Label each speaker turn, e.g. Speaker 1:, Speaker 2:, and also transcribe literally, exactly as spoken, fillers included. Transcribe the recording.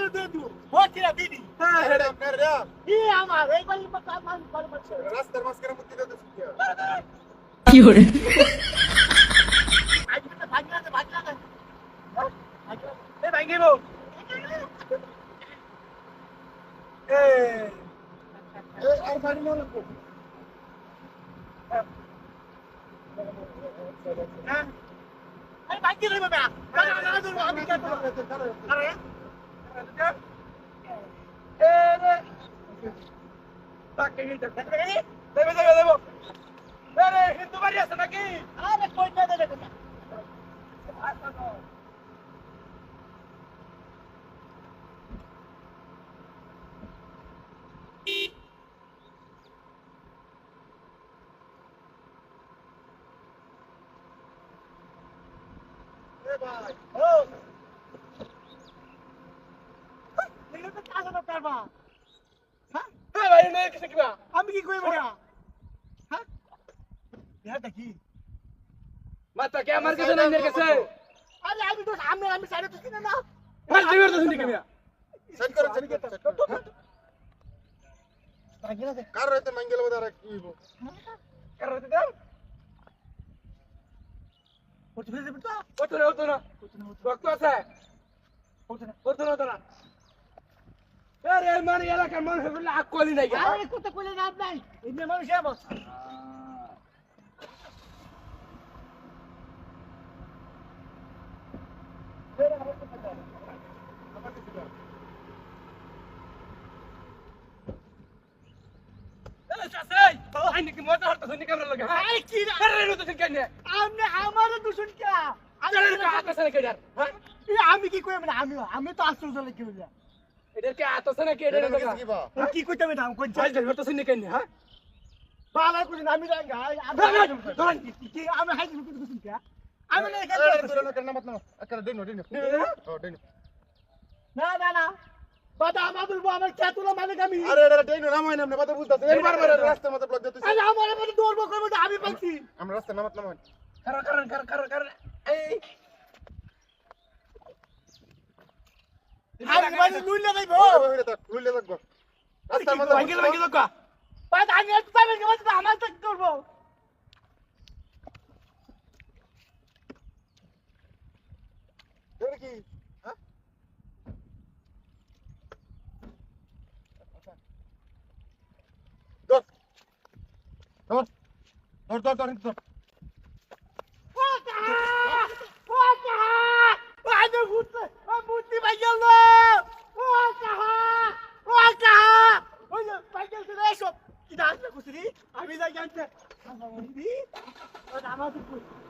Speaker 1: দে দু হচ্ছে দিদি
Speaker 2: হ্যাঁ হেড আপনার রে
Speaker 1: ই আমার এই বাড়ি কাজ মান করে বলছে
Speaker 2: রাস্তার মাঝখানে মুক্তি দিতে
Speaker 3: কি করে
Speaker 1: আজ তো ভাগনা দে ভাগনা দে এ ভাই গেবো এ এ আর বাড়ি না লাগবো হ্যাঁ আরে ভাই কি রে বাবা না না না আমি কাট আরে এ রে তাকে দেব দেব দেব দেব আরে হিন্দু বাড়ি আছে নাকি আরে কই না দেবে না এ ভাই ও নিলে তো কাজ না পারবা হ্যাঁ এ ভাই নে কিছু কিবা আমি কি কইব না হ্যাঁ এটা কি
Speaker 4: মাতা কে আমার কাছে নাই নের কাছে
Speaker 1: আরে আমি তো আমি আমি সাইডে তো কিনা না
Speaker 4: মার দিবার তো শুনি কেমিয়া
Speaker 2: সেট করে সেট করে
Speaker 1: ভাগনা দে
Speaker 2: কার রইতে মঙ্গল বদার কি হইব
Speaker 4: কার হতে দাও
Speaker 1: করতে ফেলে তো
Speaker 4: কত না কত না রক্ত আছে কত না কত না তোরা আরে মানে এলাকার মানুষ বলে আকলি নাই
Speaker 1: আরে কত কইলে না নাই এমনি মানুষ যাবো
Speaker 4: আইনি কি মজা হতো শুনি কেমন লাগে
Speaker 1: আরে কি রে
Speaker 4: আরে রে তো কেন
Speaker 1: আমনে আমার দূষণ কে
Speaker 4: আরে রে হাত আছে কেডার হ্যাঁ
Speaker 1: আমি কি কইব না আমি আমি তো আশ্চর্য লাগে বলি
Speaker 4: এদের কি হাত আছে নাকি এদের
Speaker 2: এটা কি বা
Speaker 1: কি কইতাম না কোন
Speaker 4: যাই যাই তো শুনি কেন হ্যাঁ
Speaker 1: বালা কই আমি রাঙ্গা
Speaker 4: ধরেন
Speaker 1: কি আমি হাই দিতে দূষণ কে আমি না
Speaker 2: আরে তোর না করনা মত না আকার দেন দেন ও দেন
Speaker 1: না না না বাবা আমার বলবো আমার কে তুলো মানে আমি
Speaker 2: আরে এটা দেন নাম হয় না আপনি কথা বুঝতাছেন একবার বার রাস্তার মধ্যে ব্লক দিতেছেন
Speaker 1: আরে আমার মধ্যে দৌড়বো কইবো আমি পাচ্ছি
Speaker 2: আমরা রাস্তার নামত নাম হয়
Speaker 4: কারণ কারণ কারণ কারণ কারণ এই
Speaker 1: আমি মানে লুই লাগাইবো
Speaker 2: হইলে থাক হইলে থাকবো রাস্তার মধ্যে
Speaker 4: ভাঙ্গিল ভাঙ্গিল কা
Speaker 1: বাবা আমি একটু পাবে কে আমার তো করবো
Speaker 2: এটা কি হ্যাঁ ধর ধর ধর ধর ধর ধর
Speaker 1: ওটা ওটা আরে ভূত ভূতি বাইগেল ওটা ওটা ওই বাইগেল তো এসো কি দাঁড়াতে কুসরি আমি যাই জানতে আমার আমার